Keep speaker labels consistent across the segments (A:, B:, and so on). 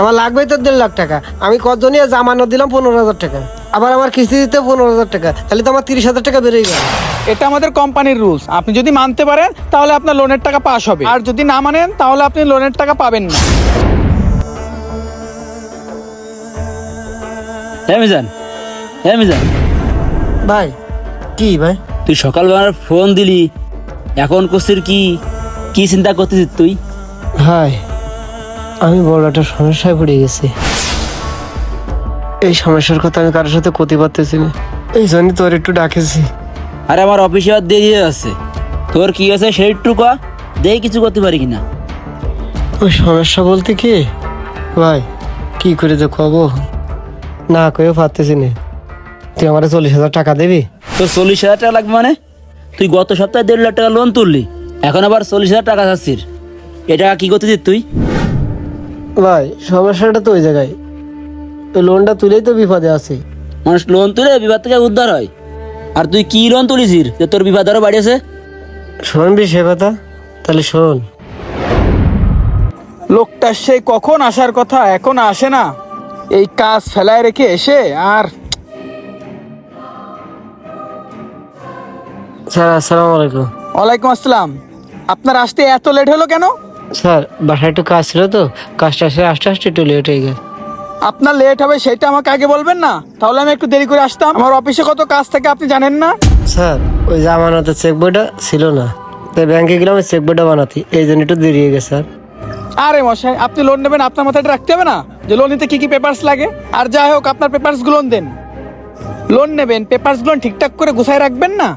A: আমার লাগবেই তো 1.5 লাখ টাকা। আমি কতজনই জামানত দিলাম 15,000 টাকা, আবার আমার কিস্তি দিতে 15,000 টাকা, তাহলে তো আমার 30,000 টাকা বেড়েই গেল।
B: এটা আমাদের কোম্পানির রুলস। আপনি যদি মানতে পারেন তাহলে আপনার লোনের টাকা পাস হবে, আর যদি না মানেন তাহলে আপনি লোনের টাকা পাবেন না।
C: মিজান
A: ভাই কি ভাই?
C: তুই সকালবেলা ফোন দিলি, এখন করছিস কি চিন্তা করতেছিস তুই?
A: ভাই আমি বড় একটা সমস্যায় পড়ে গেছি। এই সমস্যার কথা আমি কারোর সাথে করতে পারতেছি না, এই জন্য তোর একটু ডাকেছি।
C: আরে আমার অফিসে আর দেরি হয়ে আছে, তোর কি আছে সেইটুকু ক, দেখি কিছু করতে পারি কিনা।
A: ওই সমস্যা বলতে কি ভাই, কি করে যে কব, না কয়েও পারতেছি না। তুই আমার 40,000 টাকা দিবি?
C: তোর 40,000 টাকা লাগবে মানে? তুই গত সপ্তাহে 1.5 লাখ টাকা লোন তুললি, এখন আবার 40,000 টাকা চাচ্ছিস। এটা কি করতেছিস তুই?
A: ভাই সমস্যাটা তো ওই জায়গায়, ওই লোনটা তুলেই তো বিপদে আছি।
C: মানুষ লোন তুলে বিপদ থেকে উদ্ধার হয়, আর তুই কি লোন তুলিছিস যে তোর বিপদ আরো বাড়িয়েছে?
A: শুনবি সে কথা? তাহলে শোন।
B: লোকটা সেই কখন আসার কথা, এখন আসে না। এই কাজ ফেলায় রেখে এসে আর
A: স্যার আসসালামু আলাইকুম।
B: ওয়ালাইকুম আসসালাম। আপনার আসতে এত লেট হলো কেন?
A: স্যার বাসায় একটু কাজ ছিল তো, কাজটা আসে আস্তে আস্তে একটু লেট হয়ে গেছে।
B: আপনার লেট হবে সেটা আমাকে আগে বলবেন না, তাহলে আমি একটু দেরি করে আসতাম। আমার অফিসে কত কাজ থাকে আপনি জানেন না?
A: স্যার ওই জামানতের চেক বইটা ছিল না, তাই ব্যাংকে গেলাম ওই চেক বইটা বানাতে, এই জন্য একটু দেরি হয়ে গেছে স্যার।
B: আরে মশাই, আপনি লোন নেবেন, আপনার মাথায় এটা রাখতে হবে না যে লোন নিতে কি কি পেপারস লাগে? আর যাই হোক, আপনার পেপারস গুলো দেন। লোন নেবেন, পেপারস গুলো ঠিকঠাক করে গুছায় রাখবেন না?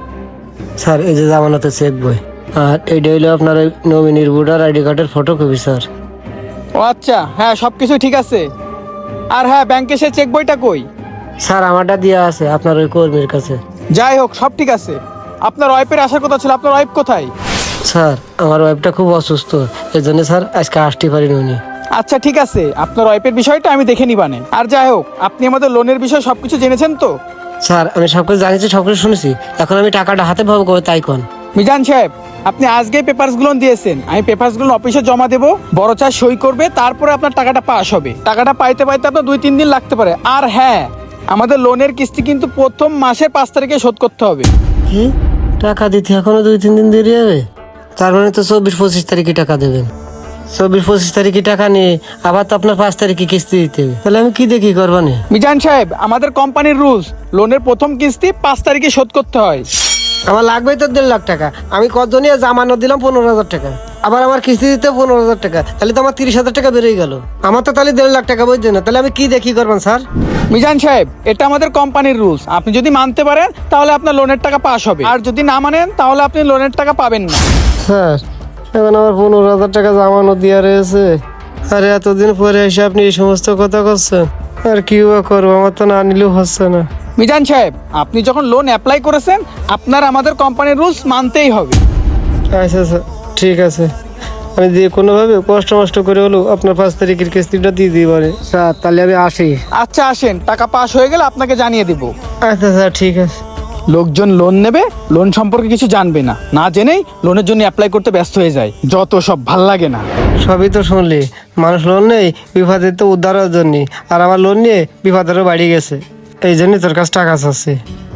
A: স্যার এই যে জামানতের চেক বই, আর এইটা হইলো আপনার ওই নমিনির ভোটার আইডি কার্ডের ফটোকপি স্যার।
B: ও আচ্ছা, হ্যাঁ সবকিছু ঠিক আছে। আর হ্যাঁ, ব্যাংকে সে চেক বইটা কই?
A: স্যার আমারটা দেওয়া আছে আপনার ওই কর্মীর কাছে।
B: যাই হোক, সব ঠিক আছে। আপনার ওয়াইফের আসার কথা ছিল, আপনার ওয়াইফ কোথায়?
A: স্যার আমার ওয়াইফটা খুব অসুস্থ, এই জন্য স্যার আজকে আসতে পারিনি উনি।
B: আচ্ছা ঠিক আছে, আপনার ওয়াইফের বিষয়টা আমি দেখে নিবানে। আর যাই হোক, আপনি আমাদের লোনের বিষয়ে সবকিছু জেনেছেন তো?
A: স্যার আমি সবকিছু জানিছি, সবকিছু শুনেছি, এখন আমি টাকাটা হাতে পাবো কবে তাই কোন?
B: মিজান সাহেব, আপনি আজকেই পেপারস গুলো দিয়েছেন, আমি পেপারস গুলো অফিসে জমা দেবো, বড় চা সই করবে, তারপরে আপনার টাকাটা পাস হবে। টাকাটা পাইতে পাইতে আপনার 2-3 দিন লাগতে পারে। আর হ্যাঁ, আমাদের লোনের কিস্তি কিন্তু প্রথম মাসের 5 তারিখে শোধ করতে হবে।
A: কি টাকা দিতে এখনো 2-3 দিন দেরি হবে? তার মানে তো 24-25 তারিখে টাকা দেবেন। 24-25 তারিখে টাকা নিয়ে আবার তো আপনার 5 তারিখে কিস্তি দিতে হবে, তাহলে আমি কি দেখি করবানি?
B: মিজান সাহেব, আমাদের কোম্পানির রুলস, লোনের প্রথম কিস্তি 5 তারিখে শোধ করতে হয়।
A: আমার লাগবেই তো 1.5 লাখ টাকা। আমি কতজনই জামানত দিলাম 15,000 টাকা, আবার আমার কিস্তি দিতে 15,000 টাকা, তাহলে তো আমার 30,000 টাকা বেড়েই গেল। আমার তো তাহলে 1.5 লাখ টাকা বুঝছেন না, তাহলে আমি কি দেখি করবেন স্যার?
B: মিজান সাহেব, এটা আমাদের কোম্পানির রুলস। আপনি যদি মানতে পারেন তাহলে আপনার লোনের টাকা পাস হবে, আর যদি না মানেন তাহলে আপনি লোনের টাকা পাবেন না।
A: স্যার এখন আমার 15,000 টাকা জামানত দেওয়া রয়েছে, আরে এতদিন পরে এসে আপনি এই সমস্ত কথা করছেন, আর কি বা করবো, আমার তো না নিলেও হচ্ছে না।
B: মিজান সাহেব, আপনি যখন লোন অ্যাপ্লাই করেছেন, আপনার আমাদের কোম্পানির রুলস মানতেই হবে।
A: আচ্ছা স্যার ঠিক আছে, আমি যে কোনোভাবে কষ্ট মষ্ট করে হলেও আপনার 5 তারিখের কিস্তিটা দিয়ে দিই পারে স্যার, তাহলে আমি আসি।
B: আচ্ছা আসেন, টাকা পাস হয়ে গেলে আপনাকে জানিয়ে দেব।
A: আচ্ছা স্যার ঠিক আছে।
B: লোকজন লোন নেবে, লোন সম্পর্কে কিছু জানবে না, না জেনেই লোনের জন্য অ্যাপ্লাই করতে ব্যস্ত হয়ে যায়, যত সব ভাল লাগে না।
A: সবই তো শুনলি, মানুষ লোন নেই বিপদের তো উদ্ধারের জন্য, আর আমার লোন নিয়ে বিপদেরও বাড়ি গেছে, এই জন্যই তোর কাছে টাকা চাচ্ছি।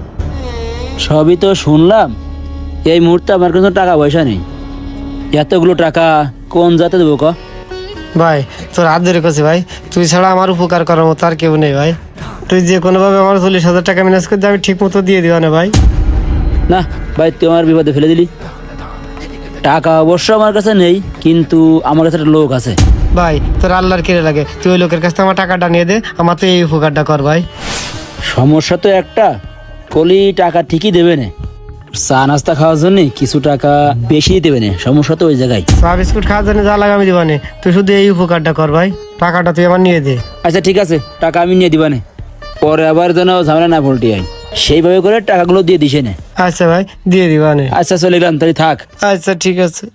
C: সবই তো শুনলাম, এই মুহূর্তে আমার কাছে টাকা পয়সা নেই। এতগুলো টাকা কোন জাতে দেবো ক?
A: ভাই তোর হাত ধরে করছি ভাই, তুই ছাড়া আমার উপকার করার মতো আর কেউ নেই ভাই। তুই যে কোনোভাবে আমার 40,000 টাকা ম্যানেজ করে আমি ঠিক মতো দিয়ে দিবা না ভাই।
C: না ভাই, তুই আমার বিপদে ফেলে দিলি। টাকা অবশ্য আমার কাছে নেই, কিন্তু আমার কাছে একটা লোক আছে।
A: ভাই তোর আল্লাহর কেড়ে লাগে, তুই ওই লোকের কাছ থেকে আমার টাকাটা নিয়ে দে, আমার তো এই উপকারটা কর ভাই।
C: সমস্যা তো একটা, কলি টাকা ঠিকই দেবে না, চা নাস্তা খাওয়ার জন্য কিছু টাকা বেশি দেবে না, সমস্যা তো ওই জায়গায়।
A: চা বিস্কুট খাওয়ার জন্য যা লাগে আমি দিবানে, তুই শুধু এই উপকারটা কর ভাই, টাকাটা তুই আমার নিয়ে দে।
C: আচ্ছা ঠিক আছে, টাকা আমি নিয়ে দিবানে, পরে আবার যেন ঝামেলা না পল্টি হয়, সেইভাবে করে টাকাগুলো দিয়ে দিছে না।
A: আচ্ছা ভাই দিয়ে দিবানে।
C: আচ্ছা চলে গেলাম, তাহলে থাক।
A: আচ্ছা ঠিক আছে।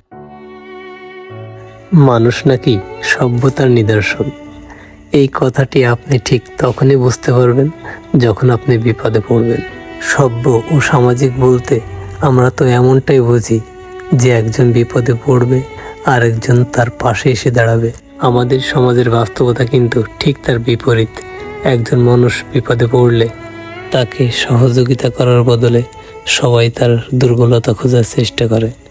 D: মানুষ নাকি সভ্যতার নিদর্শন, এই কথাটি আপনি ঠিক তখনই বুঝতে পারবেন যখন আপনি বিপদে পড়বেন। সভ্য ও সামাজিক বলতে আমরা তো এমনটাই বুঝি যে একজন বিপদে পড়বে আর একজন তার পাশে এসে দাঁড়াবে। আমাদের সমাজের বাস্তবতা কিন্তু ঠিক তার বিপরীত। একজন মানুষ বিপদে পড়লে তাকে সহযোগিতা করার বদলে সবাই তার দুর্বলতা খোঁজার চেষ্টা করে।